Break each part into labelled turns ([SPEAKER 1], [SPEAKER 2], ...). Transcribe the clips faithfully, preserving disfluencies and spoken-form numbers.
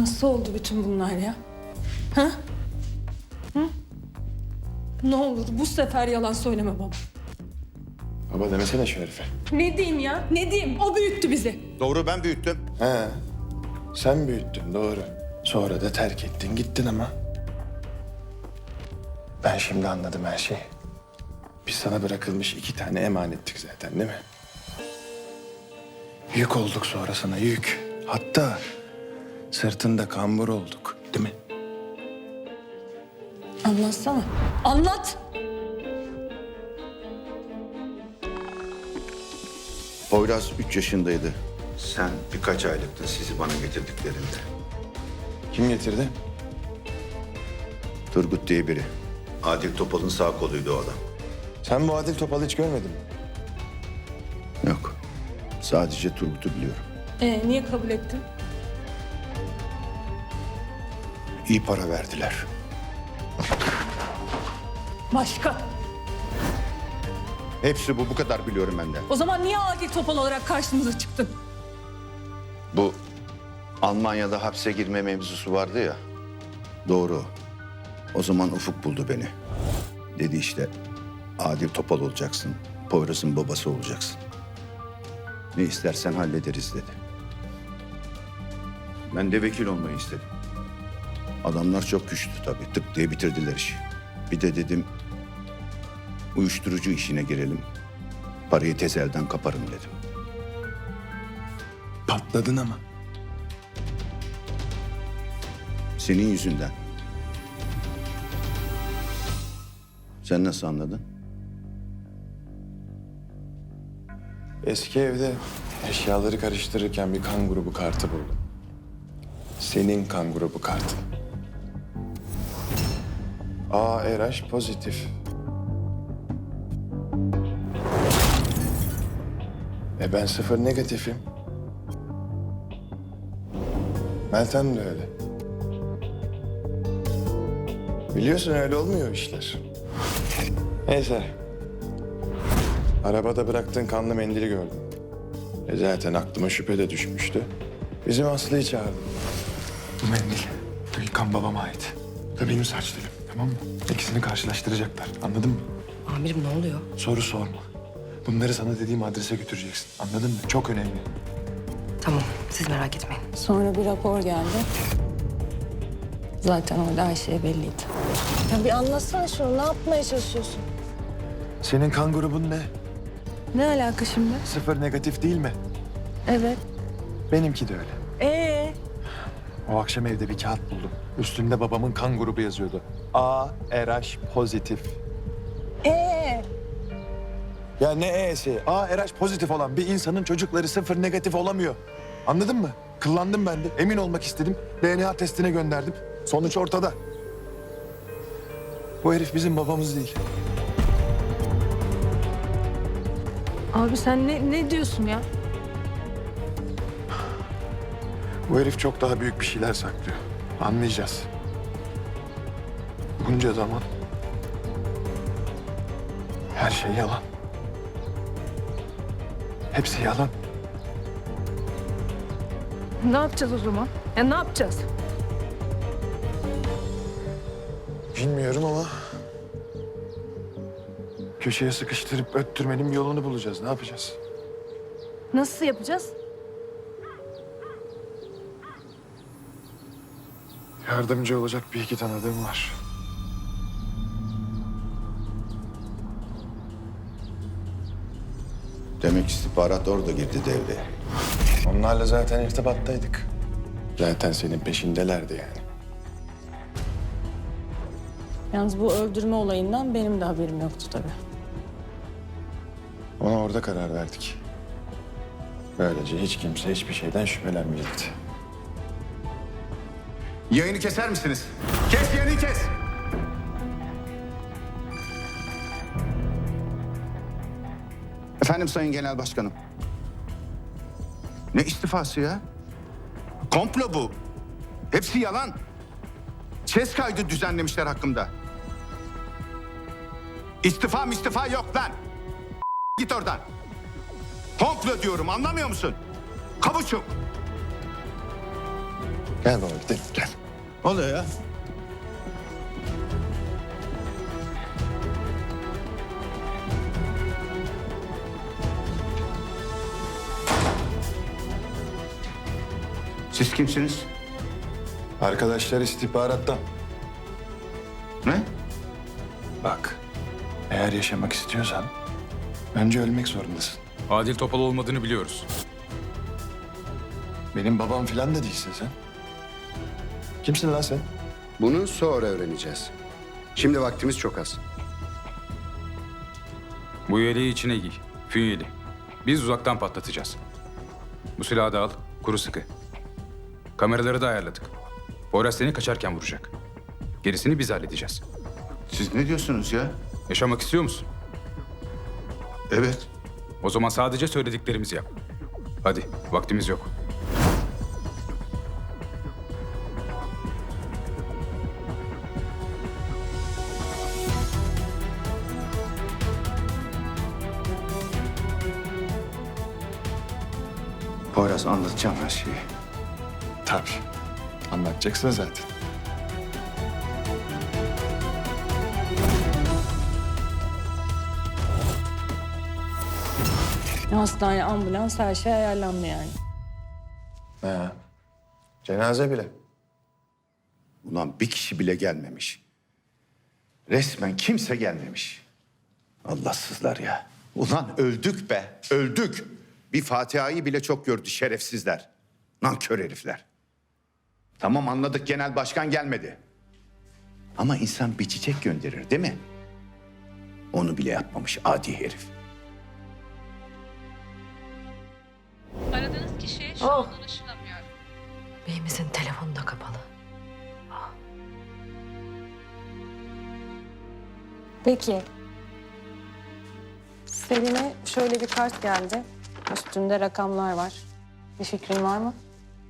[SPEAKER 1] Nasıl oldu bütün bunlar ya? Ha? Hı? Ne olur bu sefer yalan söyleme baba.
[SPEAKER 2] Baba demesene şu herife.
[SPEAKER 1] Ne diyeyim ya? Ne diyeyim? O büyüttü bizi.
[SPEAKER 3] Doğru, ben büyüttüm.
[SPEAKER 2] He. Sen büyüttün doğru. Sonra da terk ettin gittin ama. Ben şimdi anladım her şeyi. Biz sana bırakılmış iki tane emanettik zaten değil mi? Yük olduk sonra sana yük. Hatta sırtında kambur olduk değil mi?
[SPEAKER 1] Anlatsana. Anlat.
[SPEAKER 3] Poyraz üç yaşındaydı. Sen birkaç aylıktın sizi bana getirdiklerinde.
[SPEAKER 2] Kim getirdi?
[SPEAKER 3] Turgut diye biri. Adil Topal'ın sağ koluydu o adam.
[SPEAKER 2] Sen bu Adil Topal'ı hiç görmedin mi?
[SPEAKER 3] Yok. Sadece Turgut'u biliyorum.
[SPEAKER 1] Ee, niye kabul ettin?
[SPEAKER 3] İyi para verdiler.
[SPEAKER 1] Başka.
[SPEAKER 3] Hepsi bu, bu kadar biliyorum benden.
[SPEAKER 1] O zaman niye Adil Topal olarak karşımıza çıktın?
[SPEAKER 3] Bu Almanya'da hapse girme mevzusu vardı ya. Doğru. O zaman Ufuk buldu beni. Dedi işte Adil Topal olacaksın. Poyraz'ın babası olacaksın. Ne istersen hallederiz dedi. Ben de vekil olmayı istedim. Adamlar çok güçlü tabii. Tık diye bitirdiler işi. Bir de dedim uyuşturucu işine girelim. Parayı tez elden kaparım dedim.
[SPEAKER 2] Patladın ama.
[SPEAKER 3] Senin yüzünden. Sen nasıl anladın?
[SPEAKER 2] Eski evde eşyaları karıştırırken bir kan grubu kartı buldum. Senin kan grubu kartın. A R H pozitif. E ben sıfır negatifim. Meltem de öyle. Biliyorsun öyle olmuyor işler. Neyse. Arabada bıraktığın kanlı mendili gördüm. E zaten aklıma şüphe de düşmüştü. Bizim Aslı'yı çağırdım.
[SPEAKER 4] Bu mendil Gülkan babama ait. Bu da benim saç dilim, tamam mı? İkisini karşılaştıracaklar, anladın mı?
[SPEAKER 5] Amirim ne oluyor?
[SPEAKER 4] Soru sorma. Bunları sana dediğim adrese götüreceksin, anladın mı? Çok önemli.
[SPEAKER 5] Tamam, siz merak etmeyin.
[SPEAKER 1] Sonra bir rapor geldi. Zaten orada her şey belliydi.
[SPEAKER 6] Ya bir anlatsana şunu. Ne yapmaya çalışıyorsun?
[SPEAKER 4] Senin kan grubun ne?
[SPEAKER 6] Ne alaka şimdi?
[SPEAKER 4] Sıfır negatif değil mi?
[SPEAKER 6] Evet.
[SPEAKER 4] Benimki de öyle.
[SPEAKER 6] Ee,
[SPEAKER 4] O akşam evde bir kağıt buldum. Üstünde babamın kan grubu yazıyordu. A R H pozitif.
[SPEAKER 6] ee.
[SPEAKER 4] Ya ne E'si? A R H pozitif olan bir insanın çocukları sıfır negatif olamıyor. Anladın mı? Kıllandım ben de. Emin olmak istedim. D N A testine gönderdim. Sonuç ortada. Bu herif bizim babamız değil.
[SPEAKER 6] Abi sen ne, ne diyorsun ya?
[SPEAKER 4] Bu herif çok daha büyük bir şeyler saklıyor. Anlayacağız. Bunca zaman her şey yalan. Hepsi yalan.
[SPEAKER 6] Ne yapacağız o zaman? Ya ne yapacağız?
[SPEAKER 4] Bilmiyorum ama köşeye sıkıştırıp öttürmenin bir yolunu bulacağız. Ne yapacağız?
[SPEAKER 6] Nasıl yapacağız?
[SPEAKER 4] Yardımcı olacak bir iki tanıdığım var.
[SPEAKER 3] Demek istihbarat orada girdi devreye.
[SPEAKER 2] Onlarla zaten irtibattaydık. Zaten senin peşindelerdi yani.
[SPEAKER 1] Yalnız bu öldürme olayından benim de haberim yoktu tabii.
[SPEAKER 2] Ona orada karar verdik. Böylece hiç kimse hiçbir şeyden şüphelenmeyecekti.
[SPEAKER 3] Yayını keser misiniz? Kes yayını kes! Efendim Sayın Genel Başkanım. Ne istifası ya? Komplo bu. Hepsi yalan. Ses kaydı düzenlemişler hakkımda. İstifa istifa yok lan. Git oradan. Komplo diyorum, anlamıyor musun? Kavuçuk.
[SPEAKER 4] Gel baba gidelim gel.
[SPEAKER 3] Ne oluyor ya? Siz kimsiniz?
[SPEAKER 4] Arkadaşlar istihbarattan.
[SPEAKER 3] Ne?
[SPEAKER 4] Bak, eğer yaşamak istiyorsan önce ölmek zorundasın.
[SPEAKER 7] Adil Topal olmadığını biliyoruz.
[SPEAKER 4] Benim babam falan da değilsin sen. Kimsin lan sen?
[SPEAKER 8] Bunu sonra öğreneceğiz. Şimdi vaktimiz çok az.
[SPEAKER 7] Bu yeleği içine giy. Fünyeli. Biz uzaktan patlatacağız. Bu silahı da al. Kuru sıkı. Kameraları da ayarladık. Poyraz seni kaçarken vuracak. Gerisini biz halledeceğiz.
[SPEAKER 3] Siz ne diyorsunuz ya?
[SPEAKER 7] Yaşamak istiyor musun?
[SPEAKER 3] Evet.
[SPEAKER 7] O zaman sadece söylediklerimizi yap. Hadi, vaktimiz yok.
[SPEAKER 3] Poyraz anlatacağım her şeyi.
[SPEAKER 4] Tabii. Anlatacaksın zaten.
[SPEAKER 1] Hastane, ambulans her şey ayarlandı yani.
[SPEAKER 4] Ha. Cenaze bile.
[SPEAKER 3] Ulan bir kişi bile gelmemiş. Resmen kimse gelmemiş. Allahsızlar ya. Ulan öldük be, öldük. Bir Fatiha'yı bile çok gördü şerefsizler. Nankör herifler. Tamam anladık, genel başkan gelmedi. Ama insan bir çiçek gönderir değil mi? Onu bile yapmamış adi herif.
[SPEAKER 9] Aradığınız kişiye şu an ulaşılamıyor.
[SPEAKER 5] Beyimizin telefonu da kapalı.
[SPEAKER 1] Peki. Selim'e şöyle bir kart geldi. Üstünde rakamlar var. Bir fikrin var mı?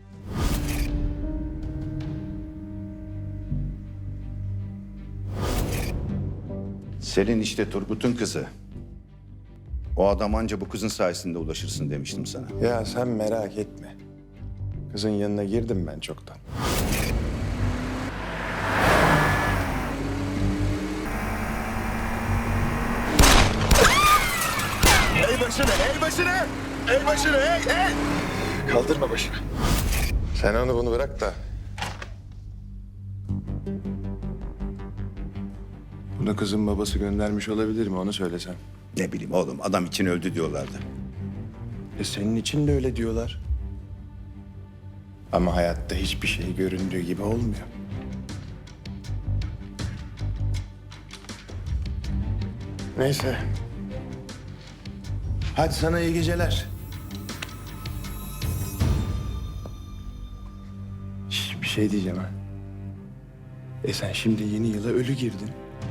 [SPEAKER 3] Selin işte Turgut'un kızı. O adam anca bu kızın sayesinde ulaşırsın demiştim sana.
[SPEAKER 4] Ya sen merak etme. Kızın yanına girdim ben çoktan. El başını, el başını! El başını, el, el! Kaldırma başını. Sen onu bunu bırak da. Bunu kızın babası göndermiş olabilir mi? Onu söylesem.
[SPEAKER 3] Ne bileyim oğlum, adam için öldü diyorlardı.
[SPEAKER 4] E senin için de öyle diyorlar. Ama hayatta hiçbir şey göründüğü gibi olmuyor. Neyse. Hadi sana iyi geceler. Şş, bir şey diyeceğim ha. E sen şimdi yeni yıla ölü girdin.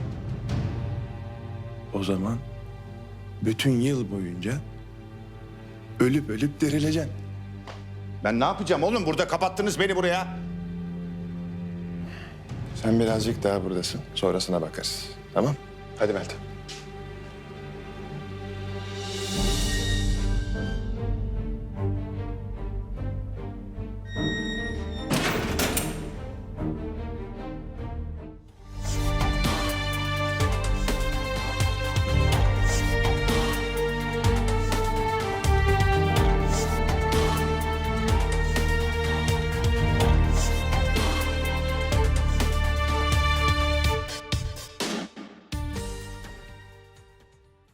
[SPEAKER 4] O zaman bütün yıl boyunca ölüp ölüp dirileceksin.
[SPEAKER 3] Ben ne yapacağım oğlum? Burada kapattınız beni buraya.
[SPEAKER 4] Sen birazcık daha buradasın. Sonrasına bakarız. Tamam? Hadi Meltem.